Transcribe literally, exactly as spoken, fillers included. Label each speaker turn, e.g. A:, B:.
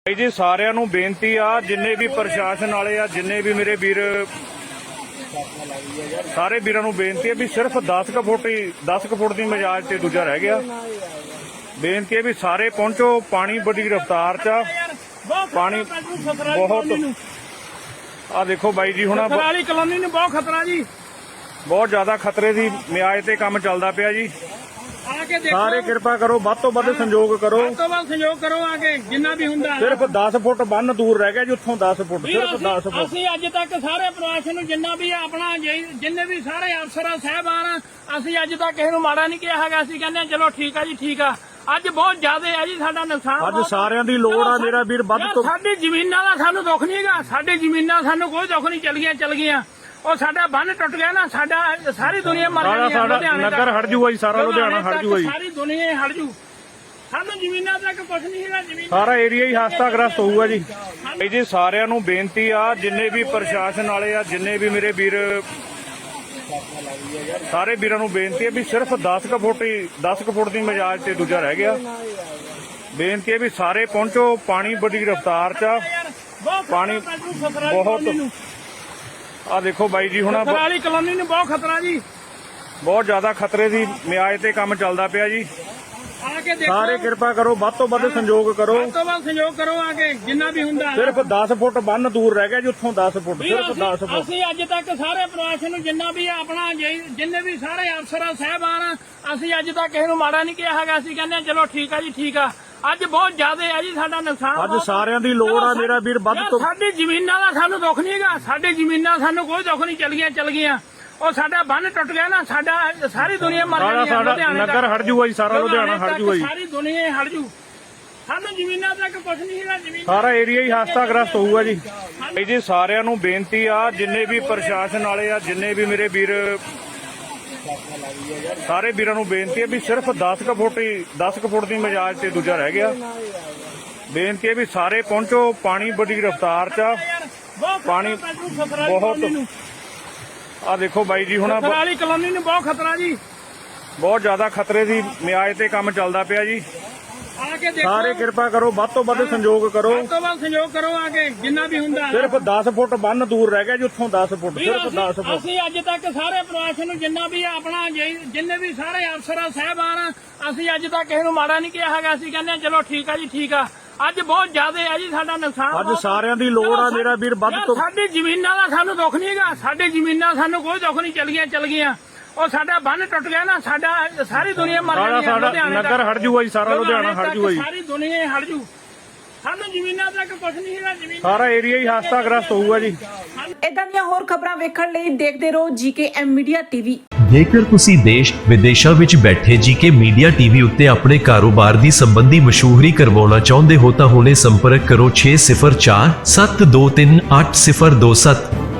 A: भाई जी सारिਆਂ ਨੂੰ ਬੇਨਤੀ ਆ ਜਿੰਨੇ ਵੀ ਪ੍ਰਸ਼ਾਸਨ ਵਾਲੇ ਆ ਜਿੰਨੇ ਵੀ ਮੇਰੇ ਵੀਰ ਸਾਰੇ ਵੀਰਾਂ ਨੂੰ ਬੇਨਤੀ ਹੈ ਵੀ ਸਿਰਫ ਦਸ ਕੁ ਫੁੱਟ ਹੀ ਦਸ ਕੁ ਫੁੱਟ ਦੀ ਮਜਾਜ ਤੇ ਦੂਜਾ ਰਹਿ ਗਿਆ। ਬੇਨਤੀ ਹੈ ਵੀ ਸਾਰੇ ਪਹੁੰਚੋ। ਪਾਣੀ ਬੜੀ ਰਫ਼ਤਾਰ ਚ ਆ, ਪਾਣੀ ਬਹੁਤ ਆ ਦੇਖੋ ਬਾਈ ਜੀ ਹੁਣ
B: ਵਾਲੀ ਕਲੋਨੀ ਨੂੰ ਬਹੁਤ ਖਤਰਾ ਜੀ,
A: ਬਹੁਤ ਜ਼ਿਆਦਾ ਖਤਰੇ ਦੀ ਮਿਆਜ ਤੇ ਕੰਮ ਚੱਲਦਾ ਪਿਆ ਜੀ।
B: ਆ ਕੇ ਦੇਖੋ
A: ਸਾਰੇ ਕਿਰਪਾ ਕਰੋ, ਵੱਧ ਤੋਂ ਵੱਧ ਸੰਯੋਗ ਕਰੋ,
B: ਵੱਧ ਤੋਂ ਵੱਧ ਸੰਯੋਗ ਕਰੋ। ਆ ਕੇ ਜਿੰਨਾ ਵੀ ਹੁੰਦਾ
A: ਸਿਰਫ ਦਸ ਫੁੱਟ ਬੰਨ ਦੂਰ ਰਹਿ ਗਿਆ ਜੀ, ਉੱਥੋਂ ਦਸ ਫੁੱਟ ਸਿਰਫ ਦਸ ਫੁੱਟ।
B: ਅਸੀਂ ਅੱਜ ਤੱਕ ਸਾਰੇ ਪ੍ਰਸ਼ਾਸਨ ਨੂੰ ਜਿੰਨਾ ਵੀ ਆਪਣਾ ਜਿੰਨੇ ਵੀ ਸਾਰੇ ਅਫਸਰ ਸਾਹਿਬਾਨ ਅਸੀਂ ਅੱਜ ਤੱਕ ਕਿਸੇ ਨੂੰ ਮਾੜਾ ਨਹੀਂ ਕਿਹਾ ਹੈਗਾ। ਅਸੀਂ ਕਹਿੰਦੇ ਚਲੋ ਠੀਕ ਆ ਜੀ, ਠੀਕ ਆ। ਅੱਜ ਬਹੁਤ ਜ਼ਿਆਦਾ ਹੈ ਜੀ ਸਾਡਾ ਨੁਕਸਾਨ।
A: ਅੱਜ ਸਾਰਿਆਂ ਦੀ ਲੋੜ ਆ ਮੇਰਾ ਵੀਰ, ਵੱਧ ਤੋਂ
B: ਸਾਡੀ ਜ਼ਮੀਨਾਂ ਦਾ ਸਾਨੂੰ ਦੁੱਖ ਨਹੀਂ ਹੈਗਾ। ਸਾਡੀ ਜ਼ਮੀਨਾਂ ਸਾਨੂੰ ਕੋਈ ਦੁੱਖ ਨਹੀਂ, ਚਲ ਗਈਆਂ ਚਲ ਗਈਆਂ। ਉਹ ਸਾਡਾ ਬੰਨ ਟੁੱਟ ਗਿਆ ਨਾ, ਸਾਡਾ ਸਾਰੀ ਦੁਨੀਆ ਮਰ ਜਾਣੀ।
A: ਸਾਡਾ ਨਗਰ ਹਟ ਜੂਗਾ ਜੀ, ਸਾਰਾ ਲੁਧਿਆਣਾ ਹਟ ਜੂਗਾ ਜੀ,
B: ਸਾਰੀ ਦੁਨੀਆ ਹਟ ਜੂ। ਸਾਨੂੰ ਜ਼ਮੀਨਾਂ ਤੱਕ ਕੁਝ ਨਹੀਂ ਹੈਗਾ। ਜ਼ਮੀਨ
A: ਸਾਰਾ ਏਰੀਆ ਹੀ ਹਸਤਾਗ੍ਰਸਤ ਹੋਊਗਾ ਜੀ। ਭਾਈ ਜੀ ਸਾਰਿਆਂ ਨੂੰ ਬੇਨਤੀ ਆ ਜਿੰਨੇ ਵੀ ਪ੍ਰਸ਼ਾਸਨ ਵਾਲੇ ਆ ਜਿੰਨੇ ਵੀ ਮੇਰੇ ਵੀਰ ਸਾਰੇ ਵੀਰਾਂ ਨੂੰ ਬੇਨਤੀ ਹੈ ਵੀ ਸਿਰਫ ਦਸ ਕੁ ਫੁੱਟ ਹੀ ਦਸ ਕੁ ਫੁੱਟ ਦੀ ਮਜਾਜ ਤੇ ਦੂਜਾ ਰਹਿ ਗਿਆ। ਬੇਨਤੀ ਹੈ ਵੀ ਸਾਰੇ ਪਹੁੰਚੋ। ਪਾਣੀ ਬੜੀ ਰਫ਼ਤਾਰ ਚ ਆ, ਪਾਣੀ ਬਹੁਤ ਆ ਦੇਖੋ ਬਾਈ ਜੀ ਹੁਣ
B: ਵਾਲੀ ਕਲੋਨੀ ਨੂੰ ਬਹੁਤ ਖਤਰਾ ਜੀ,
A: ਬਹੁਤ ਜ਼ਿਆਦਾ ਖਤਰੇ ਦੀ ਮਿਆਜ ਤੇ ਕੰਮ ਚੱਲਦਾ ਪਿਆ ਜੀ।
B: ਆ ਕੇ ਦੇਖੋ
A: ਸਾਰੇ ਕਿਰਪਾ ਕਰੋ, ਵੱਧ ਤੋਂ ਵੱਧ ਸੰਯੋਗ ਕਰੋ,
B: ਵੱਧ ਤੋਂ ਵੱਧ ਸੰਯੋਗ ਕਰੋ। ਆ ਕੇ ਜਿੰਨਾ ਵੀ ਹੁੰਦਾ
A: ਸਿਰਫ ਦਸ ਫੁੱਟ ਬੰਨ ਦੂਰ ਰਹਿ ਗਿਆ ਜੀ, ਉੱਥੋਂ ਦਸ ਫੁੱਟ ਸਿਰਫ ਦਸ ਫੁੱਟ।
B: ਅਸੀਂ ਅੱਜ ਤੱਕ ਸਾਰੇ ਪ੍ਰਸ਼ਾਸਨ ਨੂੰ ਜਿੰਨਾ ਵੀ ਆਪਣਾ ਜਿੰਨੇ ਵੀ ਸਾਰੇ ਅਫਸਰ ਸਾਹਿਬਾਨ ਅਸੀਂ ਅੱਜ ਤੱਕ ਕਿਸੇ ਨੂੰ ਮਾੜਾ ਨਹੀਂ ਕਿਹਾ ਹੈਗਾ। ਅਸੀਂ ਕਹਿੰਦੇ ਚਲੋ ਠੀਕ ਆ ਜੀ, ਠੀਕ ਆ। ਅੱਜ ਬਹੁਤ ਜ਼ਿਆਦਾ ਹੈ ਜੀ ਸਾਡਾ ਨੁਕਸਾਨ।
A: ਅੱਜ ਸਾਰਿਆਂ ਦੀ ਲੋੜ ਆ ਮੇਰਾ ਵੀਰ, ਵੱਧ ਤੋਂ
B: ਸਾਡੀ ਜ਼ਮੀਨਾਂ ਦਾ ਸਾਨੂੰ ਦੁੱਖ ਨਹੀਂ ਹੈਗਾ। ਸਾਡੀ ਜ਼ਮੀਨਾਂ ਸਾਨੂੰ ਕੋਈ ਦੁੱਖ ਨਹੀਂ, ਚਲ ਗਈਆਂ ਚਲ ਗਈਆਂ। ਉਹ ਸਾਡਾ ਬੰਨ ਟੁੱਟ ਗਿਆ ਨਾ, ਸਾਡਾ ਸਾਰੀ ਦੁਨੀਆ ਮਰ ਜਾਣੀ।
A: ਸਾਡਾ ਨਗਰ ਹਟ ਜੂਗਾ ਜੀ, ਸਾਰਾ ਲੁਧਿਆਣਾ ਹਟ ਜੂਗਾ ਜੀ,
B: ਸਾਰੀ ਦੁਨੀਆ ਹਟ ਜੂ। ਸਾਨੂੰ ਜ਼ਮੀਨਾਂ ਤੱਕ ਕੁਝ ਨਹੀਂ ਹੈਗਾ। ਜ਼ਮੀਨ
A: ਸਾਰਾ ਏਰੀਆ ਹੀ ਹਸਤਾਗ੍ਰਸਤ ਹੋਊਗਾ ਜੀ। ਭਾਈ ਜੀ ਸਾਰਿਆਂ ਨੂੰ ਬੇਨਤੀ ਆ ਜਿੰਨੇ ਵੀ ਪ੍ਰਸ਼ਾਸਨ ਵਾਲੇ ਆ ਜਿੰਨੇ ਵੀ ਮੇਰੇ ਵੀਰ ਸਾਰੇ ਵੀਰਾਂ ਨੂੰ ਬੇਨਤੀ ਹੈ ਵੀ ਸਿਰਫ ਦਸ ਕੁ ਫੁੱਟ ਹੀ ਦਸ ਕੁ ਫੁੱਟ ਦੀ ਮਜਾਜ ਤੇ ਦੂਜਾ ਰਹਿ ਗਿਆ। ਬੇਨਤੀ ਹੈ ਵੀ ਸਾਰੇ ਪਹੁੰਚੋ। ਪਾਣੀ ਬੜੀ ਰਫ਼ਤਾਰ ਚ ਆ, ਪਾਣੀ ਬਹੁਤ ਆ ਦੇਖੋ ਬਾਈ ਜੀ ਹੁਣ
B: ਵਾਲੀ ਕਲੋਨੀ ਨੂੰ ਬਹੁਤ ਖਤਰਾ ਜੀ,
A: ਬਹੁਤ ਜ਼ਿਆਦਾ ਖਤਰੇ ਦੀ ਮਿਆਜ ਤੇ ਕੰਮ ਚੱਲਦਾ ਪਿਆ ਜੀ।
B: ਆ ਕੇ ਦੇਖੋ
A: ਸਾਰੇ ਕਿਰਪਾ ਕਰੋ, ਵੱਧ ਤੋਂ ਵੱਧ ਸੰਯੋਗ ਕਰੋ,
B: ਵੱਧ ਤੋਂ ਵੱਧ ਸੰਯੋਗ ਕਰੋ। ਆ ਕੇ ਜਿੰਨਾ ਵੀ ਹੁੰਦਾ
A: ਸਿਰਫ ਦਸ ਫੁੱਟ ਬੰਨ ਦੂਰ ਰਹਿ ਗਿਆ ਜੀ, ਉੱਥੋਂ ਦਸ ਫੁੱਟ ਸਿਰਫ ਦਸ ਫੁੱਟ।
B: ਅਸੀਂ ਅੱਜ ਤੱਕ ਸਾਰੇ ਪ੍ਰਸ਼ਾਸਨ ਨੂੰ ਜਿੰਨਾ ਵੀ ਆਪਣਾ ਜਿੰਨੇ ਵੀ ਸਾਰੇ ਅਫਸਰ ਸਾਹਿਬਾਨ ਅਸੀਂ ਅੱਜ ਤੱਕ ਕਿਸੇ ਨੂੰ ਮਾੜਾ ਨਹੀਂ ਕਿਹਾ ਹੈਗਾ। ਅਸੀਂ ਕਹਿੰਦੇ ਚਲੋ ਠੀਕ ਆ ਜੀ, ਠੀਕ ਆ। ਅੱਜ ਬਹੁਤ ਜ਼ਿਆਦਾ ਹੈ ਜੀ ਸਾਡਾ ਨੁਕਸਾਨ।
A: ਅੱਜ ਸਾਰਿਆਂ ਦੀ ਲੋੜ ਆ ਮੇਰਾ ਵੀਰ, ਵੱਧ ਤੋਂ
B: ਸਾਡੀ ਜ਼ਮੀਨਾਂ ਦਾ ਸਾਨੂੰ ਦੁੱਖ ਨਹੀਂ ਹੈਗਾ। ਸਾਡੀ ਜ਼ਮੀਨਾਂ ਸਾਨੂੰ ਕੋਈ ਦੁੱਖ ਨਹੀਂ, ਚਲ ਗਈਆਂ ਚਲ ਗਈਆਂ। ਉਹ ਸਾਡਾ ਬੰਨ ਟੁੱਟ ਗਿਆ ਨਾ, ਸਾਡਾ ਸਾਰੀ ਦੁਨੀਆ ਮਰ ਜਾਣੀ।
A: ਸਾਡਾ ਨਗਰ ਹਟ ਜੂਗਾ ਜੀ, ਸਾਰਾ ਲੁਧਿਆਣਾ ਹਟ ਜੂਗਾ ਜੀ,
B: ਸਾਰੀ ਦੁਨੀਆ ਹਟ ਜੂ। ਸਾਨੂੰ ਜ਼ਮੀਨਾਂ ਤੱਕ ਕੁਝ ਨਹੀਂ ਹੈਗਾ। ਜ਼ਮੀਨ
A: ਸਾਰਾ ਏਰੀਆ ਹੀ ਹਸਤਾਗ੍ਰਸਤ ਹੋਊਗਾ ਜੀ।
C: ਇਦਾਂ ਦੀਆਂ ਹੋਰ ਖਬਰਾਂ ਵੇਖਣ ਲਈ ਦੇਖਦੇ ਰਹੋ ਜੀਕੇ ਐਮ ਮੀਡੀਆ ਟੀਵੀ।
D: ਜੇਕਰ ਤੁਸੀਂ ਦੇਸ਼ ਵਿਦੇਸ਼ਾਂ ਵਿੱਚ ਬੈਠੇ ਜੀਕੇ ਮੀਡੀਆ ਟੀਵੀ ਉੱਤੇ ਆਪਣੇ ਕਾਰੋਬਾਰ ਦੀ ਸੰਬੰਧੀ ਮਸ਼ਹੂਰੀ ਕਰਵਾਉਣਾ ਚਾਹੁੰਦੇ ਹੋ ਤਾਂ ਹੁਣੇ ਸੰਪਰਕ ਕਰੋ ਛੇ ਸਿਫਰ ਚਾਰ ਸੱਤ ਦੋ ਤਿੰਨ ਅੱਠ ਸਿਫਰ ਦੋ ਸੱਤ।